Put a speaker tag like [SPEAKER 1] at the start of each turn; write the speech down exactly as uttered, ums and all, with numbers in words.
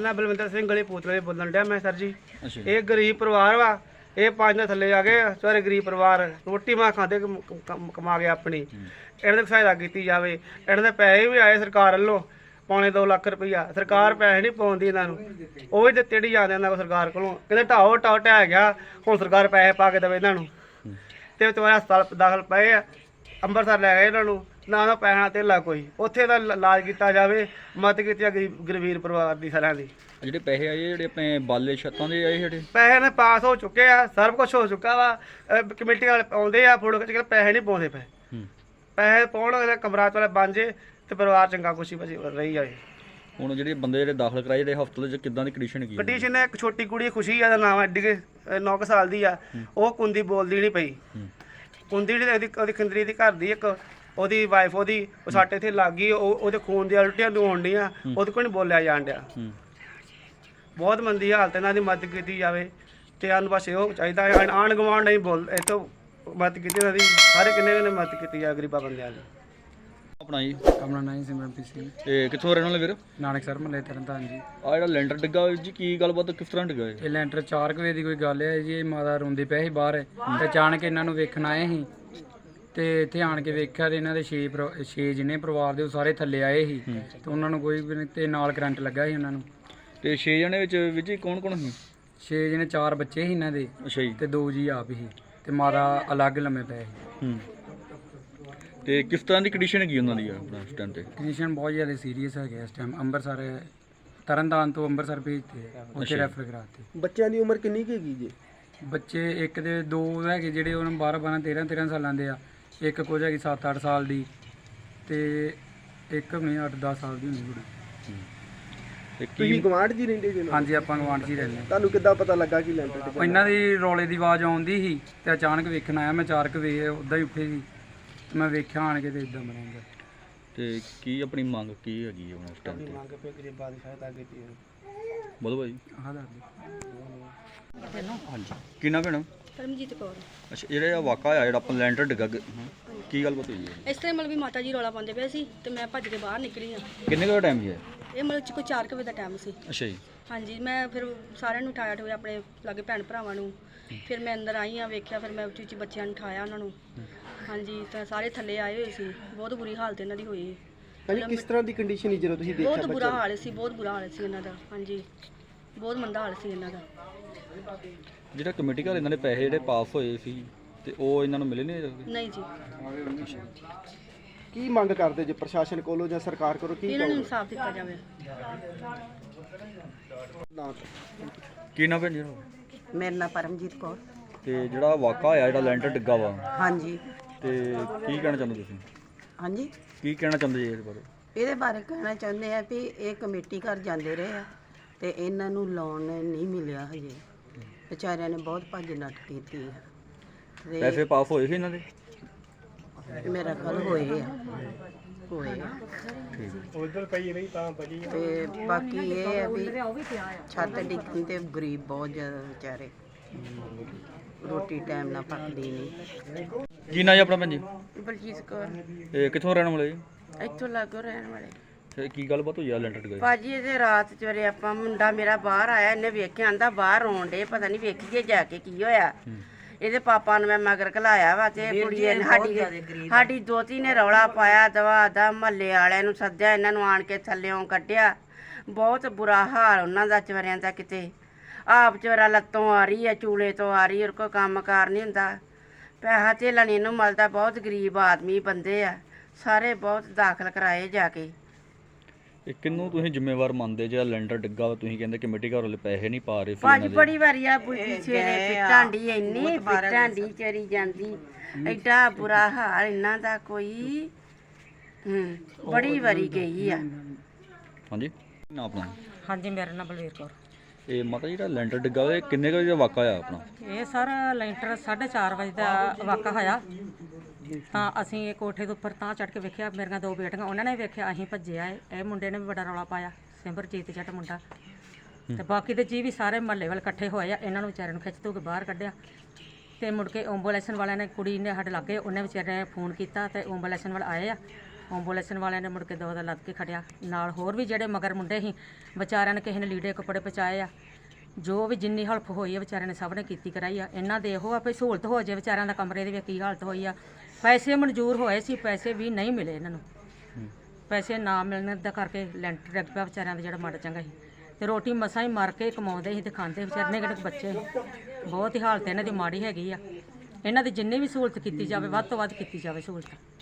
[SPEAKER 1] मैं बलविंदर सिंह गली पूतले बोलन डਿਆ मैं सर जी। ये गरीब परिवार वा, ये पाँच दिन थले आ गए सारे गरीब परिवार रोटी मां खाते कमा के अपनी इन्होंने सहायता की जाए। इन्होंने पैसे भी आए सरकार वालों पौने दो लाख रुपया, सरकार पैसे नहीं पाउंदी इन्हों वो भी दिते नहीं जाते इन्होंने सरकार को कहते ढाओ ढाओ ढह गया हुण सरकार पैसे पा के देवे इन्हों तो तुम्हारे हस्पताल दाखिल पे अंमृतसर लै गए इन्हों ना ना पैसा धेला कोई उत्थे दा इलाज किया जाए मदद की गरीब गरीब परिवार की सारिਆਂ ਦੀ।
[SPEAKER 2] ਜਿਹੜੇ ਪੈਸੇ ਆਏ ਜਿਹੜੇ ਆਪਣੇ ਬਾਲੇ ਛੱਤਾਂ ਦੇ ਆਏ ਜਿਹੜੇ
[SPEAKER 1] ਪੈਸੇ ਨੇ ਪਾਸ ਹੋ ਚੁੱਕੇ ਆ ਸਭ ਕੁਝ ਹੋ ਚੁੱਕਾ ਵਾ ਕਮੇਟੀ ਵਾਲੇ ਆਉਂਦੇ ਆ ਫੋਟੋ ਖਿੱਚ ਕੇ ਪੈਸੇ ਨਹੀਂ ਪਾਉਂਦੇ ਪਏ ਪੈਸੇ ਪਾਉਣ ਕਮਰਾ ਵਾਲੇ ਬਣ ਜੇ ਤੇ ਪਰਿਵਾਰ ਚੰਗਾ ਖੁਸ਼ੀ ਬਸੀ ਰਹੀ ਜਾਏ।
[SPEAKER 2] ਹੁਣ ਜਿਹੜੇ ਬੰਦੇ ਜਿਹੜੇ ਦਾਖਲ ਕਰਾਏ ਜਿਹੜੇ ਹਸਪਤਾਲ 'ਚ ਕਿੱਦਾਂ ਦੀ ਕੰਡੀਸ਼ਨ ਹੈਗੀ?
[SPEAKER 1] ਕੰਡੀਸ਼ਨ ਇੱਕ ਛੋਟੀ ਕੁੜੀ ਖੁਸ਼ੀ ਆ ਦਾ ਨਾਮ ਐਡੀ ਕੇ ਨੌ ਕੁ ਸਾਲ ਦੀ ਆ ਉਹ ਕੁੰਦੀ ਬੋਲਦੀ ਨਹੀਂ ਪਈ ਕੁੰਦੀ ਜਿਹੜੀ ਉਹਦੀ ਉਹਦੀ ਖੰਦਰੀ ਦੀ ਘਰ ਦੀ ਇੱਕ ਉਹਦੀ ਵਾਈਫ ਉਹਦੀ ਉਹ ਸਾਡੇ ਇੱਥੇ ਲੱਗ ਗਈ ਉਹ ਉਹਦੇ ਖੂਨ ਦੀਆਂ ਉਲਟੀਆਂ ਹੋਣ ਡੀਆਂ ਉਹਦੇ ਕੋਲ ਨਹੀਂ ਬੋਲਿਆ ਜਾਣ ਡਿਆ ਬਹੁਤ ਮੰਦੀ ਹਾਲਤ ਇਹਨਾਂ ਦੀ ਮਦਦ ਕੀਤੀ ਜਾਵੇ ਤੇ ਸਾਨੂੰ ਬਸ ਇਹੋ ਚਾਹੀਦਾ ਹੈ ਆਂਢ ਗੁਆਂਢ ਨਹੀਂ ਬੋਲ ਇੱਥੋਂ ਮਦਦ ਕੀਤੀ ਇਹਨਾਂ ਦੀ ਸਾਰੇ ਕਿੰਨੇ ਨੇ ਮਦਦ ਕੀਤੀ ਜਾਵੇ ਗਰੀਬਾਂ ਬੰਦਿਆਂ ਦੀ।
[SPEAKER 2] ਆਪਣਾ ਜੀ
[SPEAKER 3] ਆਪਣਾ ਨਾਂ ਸਿਮਰਨਪ੍ਰੀਤ ਸਿੰਘ
[SPEAKER 2] ਤੇ ਕਿੱਥੋਂ ਰਹਿਣ ਵਾਲੇ ਵੀਰ?
[SPEAKER 3] ਨਾਨਕ ਸਰ ਮਹੱਲੇ ਤਰਨਤਾਰਨ ਜੀ।
[SPEAKER 2] ਆ ਜਿਹੜਾ ਲੈਂਟਰ ਡਿੱਗਾ ਹੋਇਆ ਜੀ ਕੀ ਗੱਲਬਾਤ ਕਿਸ ਤਰ੍ਹਾਂ ਡਿੱਗਾ
[SPEAKER 3] ਇਹ ਲੈਂਟਰ ਚਾਰ ਕੁ ਵਜੇ ਦੀ ਕੋਈ ਗੱਲ ਹੈ ਜੀ। ਇਹ ਮਾਤਾ ਰੋਂਦੇ ਪਏ ਸੀ ਬਾਹਰ ਤੇ ਅਚਾਨਕ ਇਹਨਾਂ ਨੂੰ ਵੇਖਣ ਆਏ ਸੀ ਤੇ ਇੱਥੇ ਆਣ ਕੇ ਵੇਖਿਆ ਤੇ ਇਹਨਾਂ ਦੇ ਛੇ ਛੇ ਜਿਹਨੇ ਪਰਿਵਾਰ ਦੇ ਉਹ ਸਾਰੇ ਥੱਲੇ ਆਏ ਸੀ ਤੇ ਉਹਨਾਂ ਨੂੰ ਕੋਈ ਵੀ ਨਹੀਂ ਤੇ ਨਾਲ ਕਰੰਟ ਲੱਗਾ ਸੀ ਉਹਨਾਂ ਨੂੰ।
[SPEAKER 2] ਤੇ ਛੇ ਜਣੇ ਵਿੱਚ ਵਿੱਚ ਕੌਣ ਕੌਣ ਸੀ?
[SPEAKER 3] ਛੇ ਜਿਹਨੇ ਚਾਰ ਬੱਚੇ ਸੀ ਇਹਨਾਂ ਦੇ
[SPEAKER 2] ਅੱਛਾ ਜੀ
[SPEAKER 3] ਤੇ ਦੋ ਜੀ ਆਪ ਸੀ ਤੇ ਮਾਤਾ ਅਲੱਗ ਲੰਮੇ ਪਏ ਸੀ।
[SPEAKER 2] ਹੂੰ ਤੇ ਕਿਸ ਤਰ੍ਹਾਂ ਦੀ ਕੰਡੀਸ਼ਨ ਹੈਗੀ ਉਹਨਾਂ ਦੀ ਆਪਣਾ ਇਸ ਟਾਈਮ ਤੇ?
[SPEAKER 3] ਕੰਡੀਸ਼ਨ ਬਹੁਤ ਜ਼ਿਆਦਾ ਸੀਰੀਅਸ ਹੈਗੇ ਇਸ ਟਾਈਮ। ਅੰਮ੍ਰਿਤਸਰ ਤਰਨਤਾਰਨ ਤੋਂ ਅੰਮ੍ਰਿਤਸਰ ਭੇਜਤੇ ਉੱਥੇ ਰੈਫਰ ਕਰਾਤੇ।
[SPEAKER 1] ਬੱਚਿਆਂ ਦੀ ਉਮਰ ਕਿੰਨੀ ਕੁ ਹੈਗੀ ਜੀ?
[SPEAKER 3] ਬੱਚੇ ਇੱਕ ਦੇ ਦੋ ਹੈਗੇ ਜਿਹੜੇ ਉਹਨਾਂ ਬਾਰਾਂ ਬਾਰਾਂ ਤੇਰਾਂ ਤੇਰਾਂ ਸਾਲਾਂ ਦੇ ਆ। ਇੱਕ ਕੁਝ ਹੈਗੀ ਸੱਤ ਅੱਠ ਸਾਲ ਦੀ ਤੇ ਇੱਕ ਨਹੀਂ ਅੱਠ ਦਸ ਸਾਲ ਦੀ ਹੋਣੀ ਕੁੜੀ।
[SPEAKER 2] ਤੇ
[SPEAKER 1] ਤੁਸੀਂ
[SPEAKER 2] ਕੀ
[SPEAKER 1] ਗਵਾਂਢ ਜੀ ਰਹਿੰਦੇ ਜੀ?
[SPEAKER 3] ਹਾਂਜੀ ਆਪਾਂ ਗਵਾਂਢ 'ਚ ਹੀ ਰਹਿੰਦੇ
[SPEAKER 1] ਤੁਹਾਨੂੰ ਕਿੱਦਾਂ ਪਤਾ ਲੱਗਾ ਕਿ ਲੈਂਟਰ
[SPEAKER 3] ਹਾਂ। ਇਹਨਾਂ ਦੀ ਰੌਲੇ ਦੀ ਆਵਾਜ਼ ਆਉਂਦੀ ਸੀ ਤੇ ਅਚਾਨਕ ਵੇਖਣ ਆਇਆ ਮੈਂ ਚਾਰ ਕੁ ਵਜੇ ਉੱਦਾਂ ਹੀ ਉੱਠੇ ਸੀ ਤੇ ਮੈਂ ਵੇਖਿਆ ਆਣ ਕੇ ਤੇ ਇਦਾਂ ਬਣਾਉਂਦਾ।
[SPEAKER 2] ਤੇ ਕੀ ਆਪਣੀ ਮੰਗ ਕੀ ਹੈਗੀ ਹੁਣ ਇਸ ਟਾਈਮ ਤੇ?
[SPEAKER 1] ਮੰਗ ਪੇ ਗਰੀਬਾਂ ਦੀ ਸਹਾਇਤਾ ਕੀਤੀ ਹੈ।
[SPEAKER 2] ਬੋਲੋ ਭਾਈ।
[SPEAKER 3] ਆਹ ਦੱਸ ਦਿਓ।
[SPEAKER 2] ਹਾਂਜੀ ਕੀ ਨਾਮ ਭੈਣਾ?
[SPEAKER 4] ਪਰਮਜੀਤ ਕੌਰ।
[SPEAKER 2] ਅੱਛਾ ਜਿਹੜਾ ਇਹ ਵਾਕਾ ਹੋਇਆ ਜਿਹੜਾ ਆਪਾਂ ਲੈਂਟਰ ਡਿੱਗਾ ਗ- ਕੀ ਗੱਲਬਾਤ ਹੋਈ ਹੈ?
[SPEAKER 4] ਇਸ ਤਰ੍ਹਾਂ ਮਤਲਬ ਵੀ ਮਾਤਾ ਜੀ ਰੌਲਾ ਪਾਉਂਦੇ ਪਏ ਸੀ ਤੇ ਮੈਂ ਭੱਜ ਕੇ ਬਾਹਰ ਨਿਕਲੀ ਆ।
[SPEAKER 2] ਕਿੰਨੇ ਕੁ ਟਾਈਮ ਹੈ?
[SPEAKER 4] ਇਹ ਮਤਲਬ ਚ ਕੋਈ ਚਾਰ ਕੁ ਵਜੇ ਦਾ ਟਾਈਮ ਸੀ।
[SPEAKER 2] ਅੱਛਾ ਜੀ
[SPEAKER 4] ਹਾਂਜੀ ਮੈਂ ਫਿਰ ਸਾਰਿਆਂ ਨੂੰ ਉਠਾਇਆ ਠੋਇਆ ਆਪਣੇ ਲਾਗੇ ਭੈਣ ਭਰਾਵਾਂ ਨੂੰ। ਫਿਰ ਮੈਂ ਅੰਦਰ ਆਈ ਆ ਵੇਖਿਆ ਫਿਰ ਮੈਂ ਉੱਚੀ ਉੱਚੀ ਬੱਚਿਆਂ ਨੂੰ ਉਠਾਇਆ ਉਹਨਾਂ ਨੂੰ। ਹਾਂਜੀ ਤਾਂ ਸਾਰੇ ਥੱਲੇ ਆਏ ਹੋਏ ਸੀ। ਬਹੁਤ ਬੁਰੀ ਹਾਲਤ ਇਹਨਾਂ ਦੀ ਹੋਈ।
[SPEAKER 1] ਹਾਂਜੀ ਕਿਸ ਤਰ੍ਹਾਂ ਦੀ ਕੰਡੀਸ਼ਨ ਸੀ ਜਦੋਂ ਤੁਸੀਂ ਦੇਖਿਆ?
[SPEAKER 4] ਬਹੁਤ ਬੁਰਾ ਹਾਲ ਸੀ ਬਹੁਤ ਬੁਰਾ ਹਾਲ ਸੀ ਇਹਨਾਂ ਦਾ। ਹਾਂਜੀ ਬਹੁਤ ਮੰਦਾ ਹਾਲ ਸੀ ਇਹਨਾਂ ਦਾ।
[SPEAKER 2] ਜਿਹੜਾ ਕਮੇਟੀ ਘਰ ਇਹਨਾਂ ਦੇ ਪੈਸੇ ਜਿਹੜੇ ਪਾਸ ਹੋਏ ਸੀ ਤੇ ਉਹ ਇਹਨਾਂ ਨੂੰ ਮਿਲੇ ਨਹੀਂ?
[SPEAKER 4] ਨਹੀਂ ਜੀ
[SPEAKER 1] ਕੀ ਮੰਗ ਕਰਦੇ ਜੇ ਪ੍ਰਸ਼ਾਸਨ ਕੋਲੋਂ ਜਾਂ ਸਰਕਾਰ ਕੋਲੋਂ? ਕੀ
[SPEAKER 4] ਇਹਨਾਂ ਨੂੰ ਇਨਸਾਫ ਦਿੱਤਾ ਜਾਵੇ।
[SPEAKER 2] ਕੀ ਨਾਮ ਹੈ ਜੀ?
[SPEAKER 5] ਮੇਰਾ ਨਾਂ ਪਰਮਜੀਤ ਕੌਰ।
[SPEAKER 2] ਤੇ ਜਿਹੜਾ ਵਾਕਾ ਹੋਇਆ ਜਿਹੜਾ ਲੈਂਟਰ ਡਿੱਗਾ ਵਾ
[SPEAKER 5] ਹਾਂਜੀ
[SPEAKER 2] ਤੇ ਕੀ ਕਹਿਣਾ ਚਾਹੁੰਦੇ ਤੁਸੀਂ?
[SPEAKER 5] ਹਾਂਜੀ
[SPEAKER 2] ਕੀ ਕਹਿਣਾ ਚਾਹੁੰਦੇ ਜੀ ਇਸ ਬਾਰੇ?
[SPEAKER 5] ਇਹਦੇ ਬਾਰੇ ਕਹਿਣਾ ਚਾਹੁੰਦੇ ਆ ਵੀ ਇਹ ਕਮੇਟੀ ਘਰ ਜਾਂਦੇ ਰਹੇ ਆ ਤੇ ਇਹਨਾਂ ਨੂੰ ਲੋਨ ਨਹੀਂ ਮਿਲਿਆ ਹਜੇ। ਵਿਚਾਰਿਆਂ ਨੇ ਬਹੁਤ ਭੱਜ ਨੱਠ ਕੀਤੀ ਆ
[SPEAKER 2] ਪੈਸੇ
[SPEAKER 5] ਤੇ
[SPEAKER 2] ਪਾਸ ਹੋਏ ਸੀ ਇਹਨਾਂ ਦੇ?
[SPEAKER 5] ਮੇਰਾ ਖਲ ਹੋਏ ਆ ਹੋਏ ਆ
[SPEAKER 1] ਉਧਰ ਪਈ ਨਹੀਂ ਤਾਂ ਬਜੀ।
[SPEAKER 5] ਤੇ ਬਾਕੀ ਇਹ ਆ ਵੀ ਛੱਤ ਡਿੱਗਣ ਤੇ ਗਰੀਬ ਬਹੁਤ ਜ਼ਿਆਦਾ ਵਿਚਾਰੇ ਰੋਟੀ ਟਾਈਮ ਨਾਲ ਪੱਕਦੀ ਨਹੀਂ।
[SPEAKER 2] ਕੀ ਨਾਂ ਜੀ ਆਪਣਾ ਭੈਣ ਜੀ?
[SPEAKER 5] ਬਲਜੀਤ ਕੌਰ।
[SPEAKER 2] ਇਹ ਕਿੱਥੋਂ ਰਹਿਣ ਵਾਲੇ ਜੀ?
[SPEAKER 5] ਇੱਥੋਂ ਲਾਗੋ ਰਹਿਣ ਵਾਲੇ
[SPEAKER 2] ਤੇ ਕੀ ਗੱਲਬਾਤ ਹੋਈ ਆ ਲੈਂਟਰ ਡਿੱਗਾ?
[SPEAKER 5] ਭਾਜੀ ਇਹਦੇ ਰਾਤ ਚੋਰੇ ਆਪਾਂ ਮੁੰਡਾ ਮੇਰਾ ਬਾਹਰ ਆਇਆ ਇਹਨੇ ਵੇਖਿਆ ਆਂਦਾ ਬਾਹਰ ਰੋਣ ਡੇ ਪਤਾ ਨਹੀਂ ਵੇਖੀਏ ਜਾ ਕੇ ਕੀ ਹੋਇਆ। ਇਹਦੇ ਪਾਪਾ ਨੂੰ ਮੈਂ ਮਗਰ ਘਲਾਇਆ ਵਾ ਤੇ ਕੁੜੀ ਨੇ ਸਾਡੀ ਸਾਡੀ ਦੋਤੀ ਨੇ ਰੌਲਾ ਪਾਇਆ ਦਵਾ ਦਾ ਮਹੱਲੇ ਵਾਲਿਆਂ ਨੂੰ ਸੱਦਿਆ ਇਹਨਾਂ ਨੂੰ ਆਣ ਕੇ ਥੱਲਿਓਂ ਕੱਢਿਆ। ਬਹੁਤ ਬੁਰਾ ਹਾਲ ਉਹਨਾਂ ਦਾ ਚਵਰਿਆਂ ਦਾ ਕਿਤੇ ਆਪ ਚਵਰਾ ਲੱਤੋਂ ਆ ਰਹੀ ਹੈ ਚੂਲੇ ਤੋਂ ਆ ਰਹੀ। ਔਰ ਕੋਈ ਕੰਮ ਕਾਰ ਨਹੀਂ ਹੁੰਦਾ ਪੈਸਾ ਧੇਲਾ ਨਹੀਂ ਇਹਨੂੰ ਮਿਲਦਾ। ਬਹੁਤ ਗਰੀਬ ਆਦਮੀ ਬੰਦੇ ਆ ਸਾਰੇ ਬਹੁਤ ਦਾਖਲ ਕਰਾਏ ਜਾ ਕੇ।
[SPEAKER 2] ਇਹ ਕਿੰਨੂੰ ਤੁਸੀਂ ਜ਼ਿੰਮੇਵਾਰ ਮੰਨਦੇ ਜਿਹੜਾ ਲੈਂਟਰ ਡਿੱਗਾ ਵਾ? ਤੁਸੀਂ ਕਹਿੰਦੇ ਕਮੇਟੀ ਘਰ ਵਾਲੇ ਪੈਸੇ ਨਹੀਂ ਪਾ ਰਹੇ ਸੀ
[SPEAKER 5] ਭਾਜੀ
[SPEAKER 2] ਇਹਨਾਂ ਦੇ।
[SPEAKER 5] ਬੜੀ ਵਾਰੀ ਆ ਬੁੱਢੀ ਸਵੇਰੇ ਪਿੱਟਾਂ ਦੀ ਇੰਨੀ ਪਿੱਟਾਂ ਦੀ ਚਰੀ ਜਾਂਦੀ ਐਡਾ ਬੁਰਾ ਹਾਲ ਇਹਨਾਂ ਦਾ ਕੋਈ ਹੂੰ ਬੜੀ ਵਾਰੀ ਗਈ ਆ।
[SPEAKER 2] ਹਾਂਜੀ ਨਾ ਆਪਣਾ?
[SPEAKER 6] ਹਾਂਜੀ ਮੇਰਾ ਨਾਮ ਬਲਵੀਰ ਕੌਰ।
[SPEAKER 2] ਇਹ ਮਾਤਾ ਜਿਹੜਾ ਲੈਂਟਰ ਡਿੱਗਾ ਵਾ ਇਹ ਕਿੰਨੇ ਕੁ ਵਜੇ ਦਾ ਵਾਕਾ ਹੋਇਆ ਆਪਣਾ?
[SPEAKER 6] ਇਹ ਸਰ ਲੈਂਟਰ ਸਾਢੇ ਚਾਰ ਵਜੇ ਦਾ ਵਾਕਾ ਹੋਇਆ ਤਾਂ ਅਸੀਂ ਇਹ ਕੋਠੇ ਦੇ ਉੱਪਰ ਤਾਂ ਚੜ੍ਹ ਕੇ ਵੇਖਿਆ। ਮੇਰੀਆਂ ਦੋ ਬੇਟੀਆਂ ਉਹਨਾਂ ਨੇ ਵੇਖਿਆ ਅਸੀਂ ਭੱਜਿਆ। ਇਹ ਮੁੰਡੇ ਨੇ ਵੀ ਬੜਾ ਰੌਲਾ ਪਾਇਆ ਸਿਮਰਜੀਤ ਜੱਟ ਮੁੰਡਾ ਤੇ ਬਾਕੀ ਦੇ ਜੀ ਵੀ ਸਾਰੇ ਮਹੱਲੇ ਵਾਲੇ ਇਕੱਠੇ ਹੋਏ ਆ। ਇਹਨਾਂ ਨੂੰ ਵਿਚਾਰਿਆਂ ਨੂੰ ਖਿੱਚ ਧੂ ਕੇ ਬਾਹਰ ਕੱਢਿਆ ਤੇ ਮੁੜ ਕੇ ਐਂਬੂਲੈਂਸ ਵਾਲਿਆਂ ਨੇ ਕੁੜੀ ਨੇ ਸਾਡੇ ਲਾਗੇ ਉਹਨੇ ਵਿਚਾਰੇ ਨੇ ਫੋਨ ਕੀਤਾ ਤੇ ਐਂਬੂਲੈਂਸ ਵਾਲੇ ਆਏ ਆ ਐਂਬੂਲੈਂਸ ਵਾਲਿਆਂ ਨੇ ਮੁੜ ਕੇ ਦੋ ਦਾ ਲੱਦ ਕੇ ਖੜਿਆ। ਨਾਲ ਹੋਰ ਵੀ ਜਿਹੜੇ ਮਗਰ ਮੁੰਡੇ ਸੀ ਵਿਚਾਰਿਆਂ ਨੇ ਕਿਸੇ ਨੇ ਲੀੜੇ ਕੱਪੜੇ ਪਹੁੰਚਾਏ ਆ। ਜੋ ਵੀ ਜਿੰਨੀ ਹੈਲਪ ਹੋਈ ਹੈ ਵਿਚਾਰਿਆਂ ਨੇ ਸਭ ਨੇ ਕੀਤੀ ਕਰਾਈ ਆ। ਇਹਨਾਂ ਦੇ ਇਹੋ ਆ ਵੀ ਸਹੂਲਤ ਹੋ ਜਾਏ ਵਿਚਾਰਿਆਂ ਦਾ। ਕਮਰੇ ਦੀ ਵੀ ਕੀ ਹਾਲਤ ਹੋਈ ਆ। ਪੈਸੇ ਮਨਜ਼ੂਰ ਹੋਏ ਸੀ, ਪੈਸੇ ਵੀ ਨਹੀਂ ਮਿਲੇ ਇਹਨਾਂ ਨੂੰ। ਪੈਸੇ ਨਾ ਮਿਲਣ ਦਾ ਕਰਕੇ ਲੈਂਟਰ ਡਿੱਗ ਪਿਆ ਵਿਚਾਰਿਆਂ ਦਾ ਜਿਹੜਾ ਮਾੜਾ ਚੰਗਾ ਸੀ। ਤੇ ਰੋਟੀ ਮਸਾਂ ਹੀ ਮਾਰ ਕੇ ਕਮਾਉਂਦੇ ਸੀ ਤੇ ਖਾਂਦੇ ਵਿਚਾਰੇ ਨੇ ਕਿਹੜੇ ਬੱਚੇ ਸੀ। ਬਹੁਤ ਹੀ ਹਾਲਤ ਇਹਨਾਂ ਦੀ ਮਾੜੀ ਹੈਗੀ ਆ। ਇਹਨਾਂ ਦੀ ਜਿੰਨੀ ਵੀ ਸਹੂਲਤ ਕੀਤੀ ਜਾਵੇ ਵੱਧ ਤੋਂ ਵੱਧ ਕੀਤੀ ਜਾਵੇ ਸਹੂਲਤ।